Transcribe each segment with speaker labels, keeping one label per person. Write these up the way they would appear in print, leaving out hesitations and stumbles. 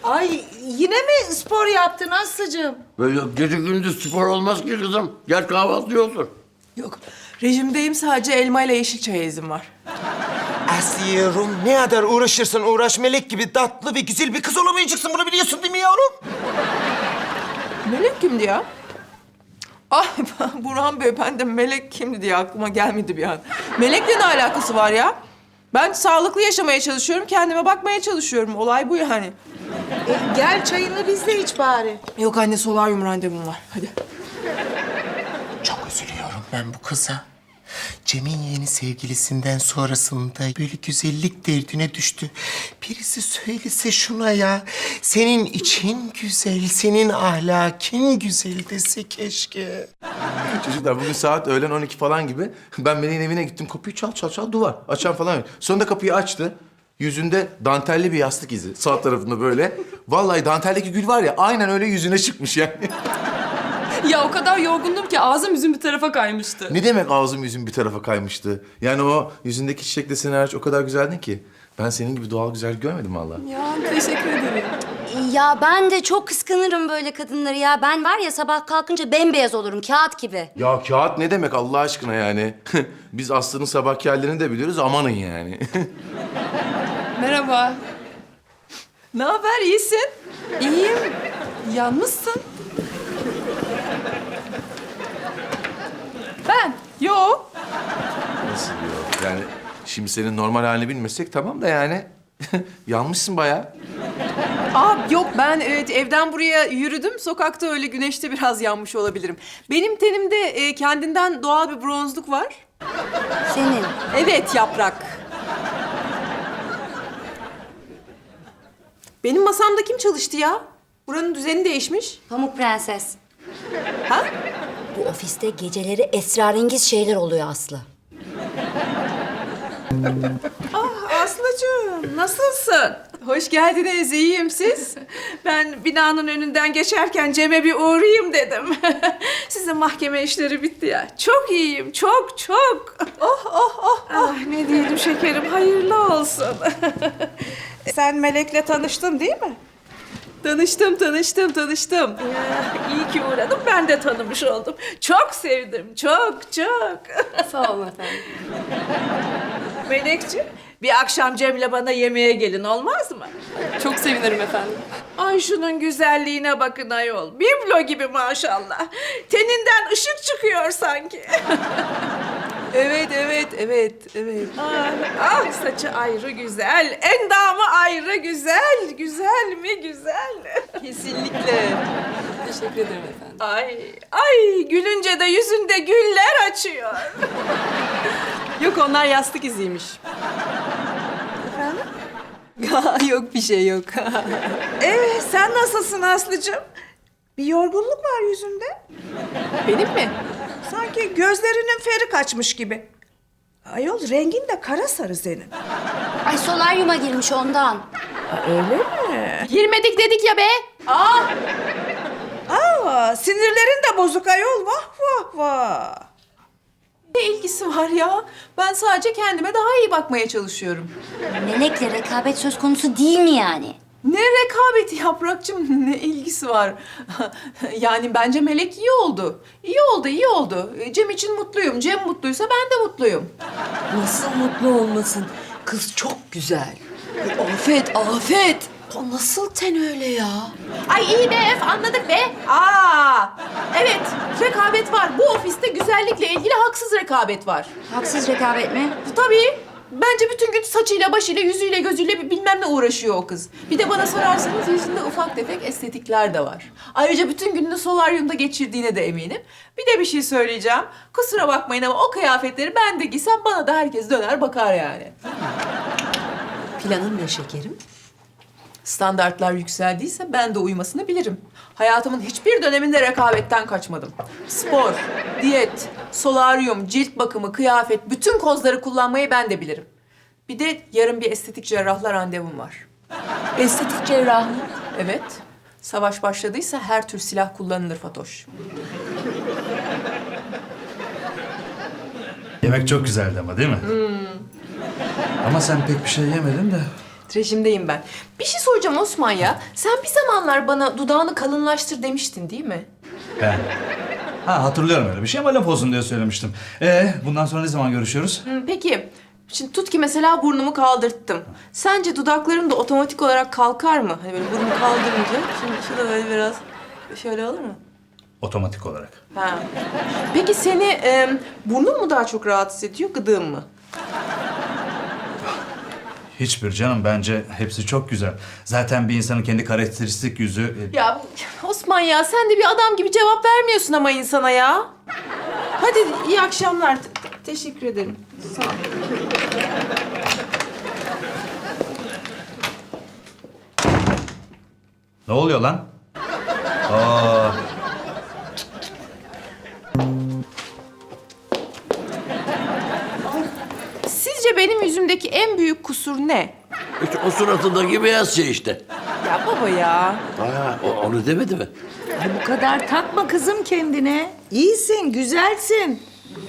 Speaker 1: Ay yine mi spor yaptın Aslı'cığım?
Speaker 2: Böyle gece gündüz spor olmaz ki kızım. Gel kahvaltı olsun.
Speaker 3: Yok, rejimdeyim, sadece elma ile yeşil çaya izin var.
Speaker 4: Asiye'rum, ne kadar uğraşırsan uğraş melek gibi tatlı ve güzel bir kız olamayacaksın. Bunu biliyorsun değil mi yavrum?
Speaker 3: Melek kimdi ya? Ay Burhan Bey, ben de Melek kimdi diye aklıma gelmedi bir an. Melek'le ne alakası var ya? Ben sağlıklı yaşamaya çalışıyorum, kendime bakmaya çalışıyorum. Olay bu yani.
Speaker 1: Gel çayını biz de iç bari.
Speaker 3: Yok anne, solaryum randevum var. Hadi.
Speaker 4: Çok üzülüyorum ben bu kıza. Cem'in yeni sevgilisinden sonrasında böyle güzellik derdine düştü. Birisi söylese şuna ya. Senin için güzel, senin ahlakin güzel dese keşke.
Speaker 5: Çocuklar bugün saat öğlen 12 falan gibi ben Melek'in evine gittim. Kapıyı çal çal çal duvar. Açan falan yok. Sonunda kapıyı açtı. Yüzünde dantelli bir yastık izi. Sağ tarafında böyle. Vallahi danteldeki gül var ya aynen öyle yüzüne çıkmış yani.
Speaker 6: Ya o kadar yorgundum ki ağzım yüzüm bir tarafa kaymıştı.
Speaker 5: Ne demek ağzım yüzüm bir tarafa kaymıştı? Yani o yüzündeki çiçek deseni hariç o kadar güzeldin ki. Ben senin gibi doğal güzellik görmedim vallahi.
Speaker 6: Ya teşekkür ederim.
Speaker 7: Ya ben de çok kıskanırım böyle kadınları ya. Ben var ya sabah kalkınca bembeyaz olurum, kağıt gibi.
Speaker 5: Ya kağıt ne demek Allah aşkına yani? Biz Aslı'nın sabahki hallerini de biliyoruz amanın yani.
Speaker 6: Merhaba.
Speaker 3: Ne haber, iyisin?
Speaker 6: İyiyim. Yalnızsın. Ben.
Speaker 3: Yo.
Speaker 5: Nasıl diyor? Yani şimdi senin normal halini bilmesek tamam da yani. Yanmışsın bayağı.
Speaker 3: Aa yok, ben evet evden buraya yürüdüm. Sokakta öyle güneşte biraz yanmış olabilirim. Benim tenimde kendinden doğal bir bronzluk var.
Speaker 7: Senin.
Speaker 3: Evet Yaprak. Benim masamda kim çalıştı ya? Buranın düzeni değişmiş.
Speaker 7: Pamuk Prenses.
Speaker 3: Ha?
Speaker 7: Bu ofiste geceleri esrarengiz şeyler oluyor Aslı.
Speaker 1: Aslı'cığım nasılsın?
Speaker 3: Hoş geldiniz, iyiyim siz?
Speaker 1: Ben binanın önünden geçerken Cem'e bir uğrayayım dedim. Sizin mahkeme işleri bitti ya. Çok iyiyim, çok çok. Ah, ne diyelim şekerim, hayırlı olsun. Sen Melek'le tanıştın değil mi?
Speaker 3: Tanıştım.
Speaker 1: İyi ki uğradım, ben de tanımış oldum. Çok sevdim, çok.
Speaker 6: Sağ olun efendim.
Speaker 1: Melekciğim, bir akşam Cem'le bana yemeğe gelin olmaz mı?
Speaker 6: Çok sevinirim efendim.
Speaker 1: Ay şunun güzelliğine bakın ayol. Biblo gibi maşallah. Teninden ışık çıkıyor sanki.
Speaker 3: Evet.
Speaker 1: Ah saçı ayrı güzel, endamı ayrı güzel. Güzel mi güzel?
Speaker 3: Kesinlikle.
Speaker 6: Teşekkür ederim efendim.
Speaker 1: Ay gülünce de yüzünde güller açıyor.
Speaker 3: Yok, onlar yastık iziymiş. Efendim? Yok, bir şey yok.
Speaker 1: Sen nasılsın Aslı'cığım? Bir yorgunluk var yüzünde.
Speaker 3: Benim mi?
Speaker 1: Sanki gözlerinin feri kaçmış gibi. Ayol rengin de kara sarı senin.
Speaker 7: Ay solaryuma girmiş ondan.
Speaker 1: Öyle mi?
Speaker 6: Girmedik dedik ya be.
Speaker 1: Sinirlerin de bozuk ayol. Vah.
Speaker 3: Ne ilgisi var ya? Ben sadece kendime daha iyi bakmaya çalışıyorum.
Speaker 7: Melek'le rekabet söz konusu değil mi yani?
Speaker 3: Ne rekabeti Yaprakçığım, ne ilgisi var? Yani bence Melek iyi oldu. İyi oldu. Cem için mutluyum. Cem mutluysa ben de mutluyum.
Speaker 8: Nasıl mutlu olmasın? Kız çok güzel. Afet. O nasıl ten öyle ya?
Speaker 3: Ay iyi be, anladık be. Evet, rekabet var. Bu ofiste güzellikle ilgili haksız rekabet var.
Speaker 7: Haksız rekabet mi?
Speaker 3: Tabii. Bence bütün gün saçıyla, başıyla, yüzüyle, gözüyle bilmem ne uğraşıyor o kız. Bir de bana sorarsanız yüzünde ufak tefek estetikler de var. Ayrıca bütün gününü solaryumda geçirdiğine de eminim. Bir de bir şey söyleyeceğim. Kusura bakmayın ama o kıyafetleri ben de giysem bana da herkes döner bakar yani.
Speaker 8: Planın ne şekerim?
Speaker 3: Standartlar yükseldiyse ben de uymasını bilirim. Hayatımın hiçbir döneminde rekabetten kaçmadım. Spor, diyet, solaryum, cilt bakımı, kıyafet, bütün kozları kullanmayı ben de bilirim. Bir de yarın bir estetik cerrahla randevum var.
Speaker 8: Estetik cerrah mı?
Speaker 3: Evet, savaş başladıysa her tür silah kullanılır Fatoş.
Speaker 9: Yemek çok güzeldi ama değil mi? Ama sen pek bir şey yemedin de.
Speaker 3: Rejimdeyim ben. Bir şey soracağım Osman ya. Sen bir zamanlar bana dudağını kalınlaştır demiştin değil mi?
Speaker 9: Ben. Ha hatırlıyorum öyle bir şey ama laf olsun diye söylemiştim. Bundan sonra ne zaman görüşüyoruz?
Speaker 3: Peki. Şimdi tut ki mesela burnumu kaldırttım. Sence dudaklarım da otomatik olarak kalkar mı? Hani böyle burnumu kaldırınca. Şimdi şurada böyle biraz şöyle olur mu?
Speaker 9: Otomatik olarak.
Speaker 3: Ha. Peki seni burnun mu daha çok rahatsız ediyor, gıdığın mı?
Speaker 9: Hiçbir canım, bence hepsi çok güzel. Zaten bir insanın kendi karakteristik yüzü...
Speaker 3: Ya Osman ya sen de bir adam gibi cevap vermiyorsun ama insana ya. Hadi iyi akşamlar. Teşekkür ederim. Sağ ol.
Speaker 9: Ne oluyor lan? Aa,
Speaker 3: Sizce benim yüzümdeki en büyük kusur ne?
Speaker 2: İşte o suratındaki beyaz şey işte.
Speaker 3: Ya baba ya.
Speaker 2: Ha, onu demedi mi?
Speaker 8: Ay bu kadar takma kızım kendine. İyisin, güzelsin.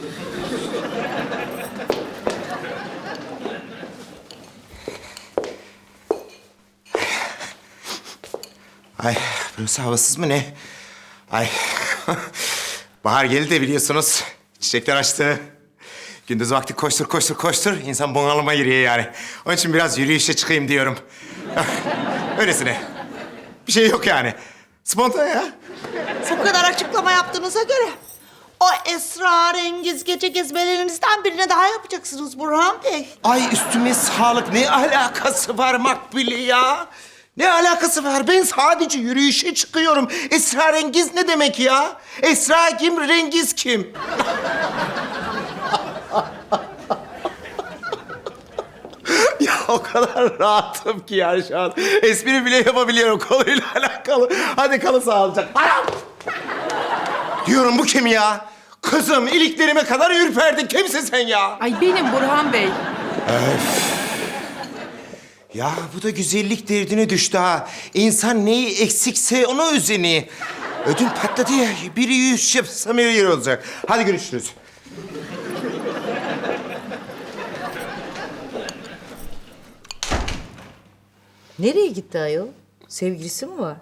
Speaker 4: Ay burası havasız mı ne? Ay bahar geldi de biliyorsunuz. Çiçekler açtı. Gündüz vakti koştur koştur koştur. İnsan bunalıma giriyor yani. Onun için biraz yürüyüşe çıkayım diyorum. Öylesine. Bir şey yok yani. Spontane ya.
Speaker 10: Bu kadar açıklama yaptığınıza göre o esrarengiz gece gezmelerinizden birine daha yapacaksınız Burhan Bey.
Speaker 4: Ay üstüme sağlık. Ne alakası var Makbule ya? Ne alakası var? Ben sadece yürüyüşe çıkıyorum. Esrarengiz ne demek ya? Esra kim, rengiz kim? Ya o kadar rahatım ki yani şu an. Espri bile yapabiliyorum konuyla alakalı. Hadi kalın sağlıcakla. Anam! Diyorum bu kim ya? Kızım iliklerime kadar ürperdin. Kimsin sen ya?
Speaker 3: Ay benim Burhan Bey.
Speaker 4: Ya bu da güzellik derdine düştü ha. İnsan neyi eksikse ona özeni. Ödüm patladı ya. Biri yüz yapsam yer olacak. Hadi görüşürüz.
Speaker 8: Nereye gitti ayol? Sevgilisi mi var?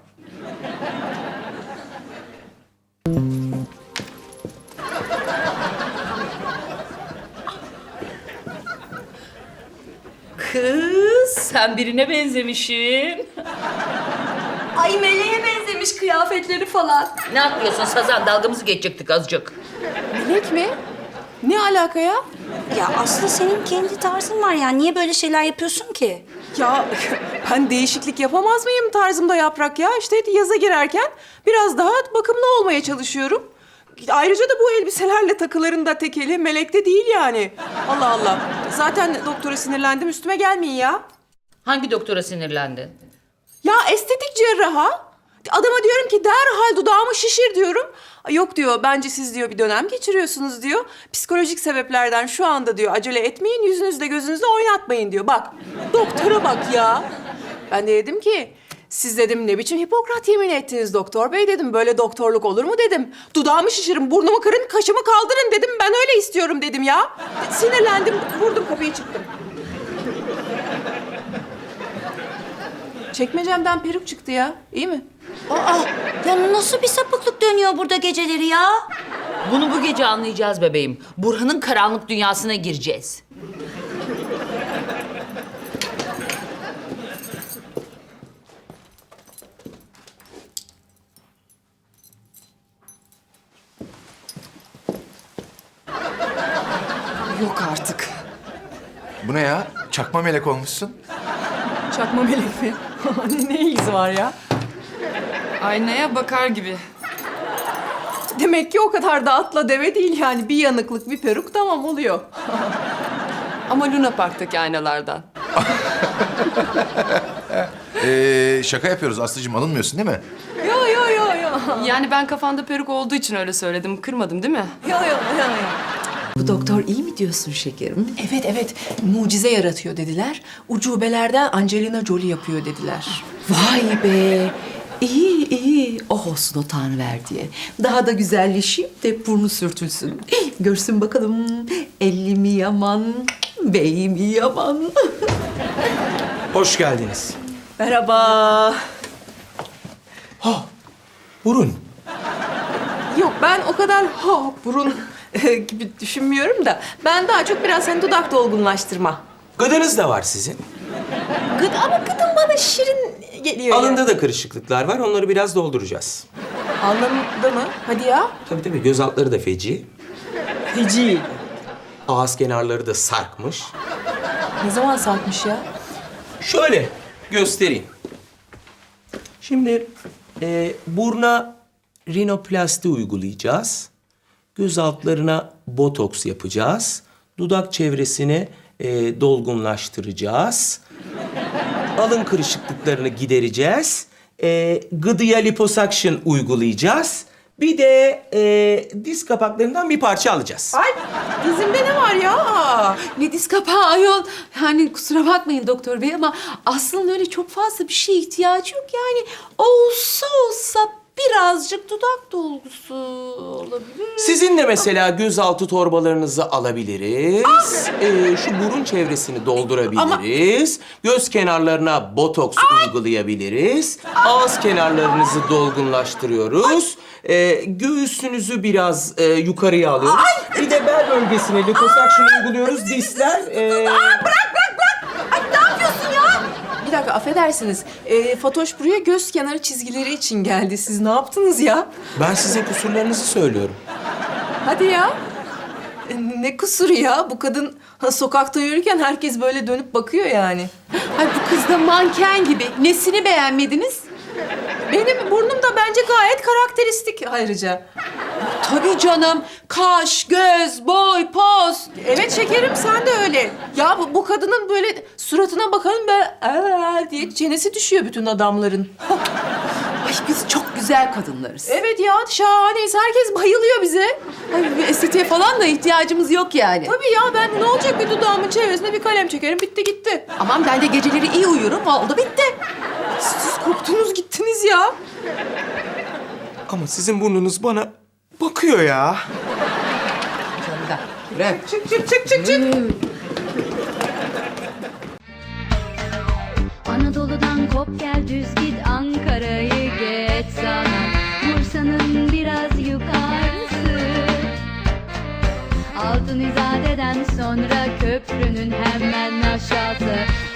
Speaker 6: Kız sen birine benzemişsin.
Speaker 7: Ay meleğe benzemiş kıyafetleri falan.
Speaker 8: Ne yapıyorsun Sazan? Dalgamızı geçecektik azıcık.
Speaker 3: Melek mi? Ne alaka ya?
Speaker 7: Ya aslında senin kendi tarzın var ya. Niye böyle şeyler yapıyorsun ki?
Speaker 3: Ya ben değişiklik yapamaz mıyım tarzımda Yaprak ya? İşte yaza girerken biraz daha bakımlı olmaya çalışıyorum. Ayrıca da bu elbiselerle takıların da tekeli Melek'te değil yani. Allah Allah. Zaten doktora sinirlendim, üstüme gelmeyin ya.
Speaker 8: Hangi doktora sinirlendin?
Speaker 3: Ya estetik cerraha. Adama diyorum ki derhal dudağımı şişir diyorum. Yok diyor, bence siz diyor bir dönem geçiriyorsunuz diyor. Psikolojik sebeplerden şu anda diyor acele etmeyin, yüzünüzle gözünüzle oynatmayın diyor. Bak, doktora bak ya. Ben de dedim ki, siz dedim ne biçim Hipokrat yemini ettiniz doktor bey dedim. Böyle doktorluk olur mu dedim. Dudağımı şişirin, burnumu kırın, kaşımı kaldırın dedim. Ben öyle istiyorum dedim ya. Sinirlendim, vurdum kapıyı çıktım. Çekmecemden peruk çıktı ya. İyi mi?
Speaker 7: Aa, ya nasıl bir sapıklık dönüyor burada geceleri ya?
Speaker 8: Bunu bu gece anlayacağız bebeğim. Burhan'ın karanlık dünyasına gireceğiz.
Speaker 3: Yok artık.
Speaker 5: Bu ne ya? Çakma melek olmuşsun.
Speaker 3: Çakma melek mi? Ne ilgisi var ya?
Speaker 6: Aynaya bakar gibi.
Speaker 3: Demek ki o kadar da atla deve değil yani. Bir yanıklık, bir peruk tamam oluyor.
Speaker 6: Ama Luna Park'taki aynalardan.
Speaker 5: Şaka yapıyoruz Aslı'cığım, alınmıyorsun değil mi?
Speaker 3: Yo yo yo yo.
Speaker 6: Yani ben kafanda peruk olduğu için öyle söyledim. Kırmadım değil mi?
Speaker 3: Yo yo yo.
Speaker 8: Bu doktor iyi mi diyorsun şekerim?
Speaker 3: Evet evet, mucize yaratıyor dediler. Ucubelerden Angelina Jolie yapıyor dediler.
Speaker 8: Vay be! İyi iyi. Oh olsun o Tanrıverdiye. Daha da güzelleşeyim de burnu sürtülsün. Görsün bakalım elli mi yaman, bey mi yaman.
Speaker 11: Hoş geldiniz.
Speaker 8: Merhaba.
Speaker 11: Burun.
Speaker 8: Yok ben o kadar burun gibi düşünmüyorum da. Ben daha çok biraz hani dudak dolgunlaştırma.
Speaker 11: Gıdanız da var sizin.
Speaker 8: Ama gıdım bana şirin geliyor.
Speaker 11: Alında da kırışıklıklar var. Onları biraz dolduracağız.
Speaker 8: Alnımda mı? Hadi ya.
Speaker 11: Tabii göz altları da feci.
Speaker 8: Feci.
Speaker 11: Ağız kenarları da sarkmış.
Speaker 8: Ne zaman sarkmış ya?
Speaker 11: Şöyle göstereyim. Şimdi buruna rinoplasti uygulayacağız. Göz altlarına botoks yapacağız. Dudak çevresini dolgunlaştıracağız. Alın kırışıklıklarını gidereceğiz. Gıdıya liposuction uygulayacağız. Bir de diz kapaklarından bir parça alacağız.
Speaker 8: Ay dizimde ne var ya?
Speaker 6: Ne diz kapağı ayol. Yani kusura bakmayın doktor bey ama aslında öyle çok fazla bir şeye ihtiyacı yok. Yani olsa birazcık dudak dolgusu olabilir.
Speaker 11: Sizin de mesela gözaltı torbalarınızı alabiliriz. Şu burun çevresini doldurabiliriz. Göz kenarlarına botoks uygulayabiliriz. Ağız kenarlarınızı dolgunlaştırıyoruz. Göğsünüzü biraz yukarıya alıyoruz. Bir de bel bölgesine liposuction uyguluyoruz. Dizler...
Speaker 8: Bir dakika affedersiniz. Fatoş buraya göz kenarı çizgileri için geldi. Siz ne yaptınız ya?
Speaker 11: Ben size kusurlarınızı söylüyorum.
Speaker 8: Hadi ya. Ne kusuru ya? Bu kadın sokakta yürürken herkes böyle dönüp bakıyor yani.
Speaker 6: Ay bu kız da manken gibi. Nesini beğenmediniz?
Speaker 8: Benim burnum da bence gayet karakteristik ayrıca.
Speaker 6: Tabii canım. Kaş, göz, boy, poz.
Speaker 8: Evet şekerim sen de öyle. Ya bu kadının böyle suratına bakalım böyle diye çenesi düşüyor bütün adamların.
Speaker 6: Ay biz çok güzel kadınlarız.
Speaker 8: Evet ya şahaneyiz. Herkes bayılıyor bize.
Speaker 6: Ay bir estetiğe falan da ihtiyacımız yok yani.
Speaker 8: Tabii ya ben ne olacak bir dudağımın çevresine bir kalem çekerim bitti gitti.
Speaker 6: Aman ben de geceleri iyi uyurum. Oldu bitti.
Speaker 8: Siz koptunuz gittiniz ya.
Speaker 11: Ama sizin burnunuz bana bakıyor ya.
Speaker 8: Çık.
Speaker 12: Anadolu'dan kop gel düz git Ankara'yı geç sana Bursa'nın biraz yukarısı Altın İzade'den sonra köprünün hemen aşağısı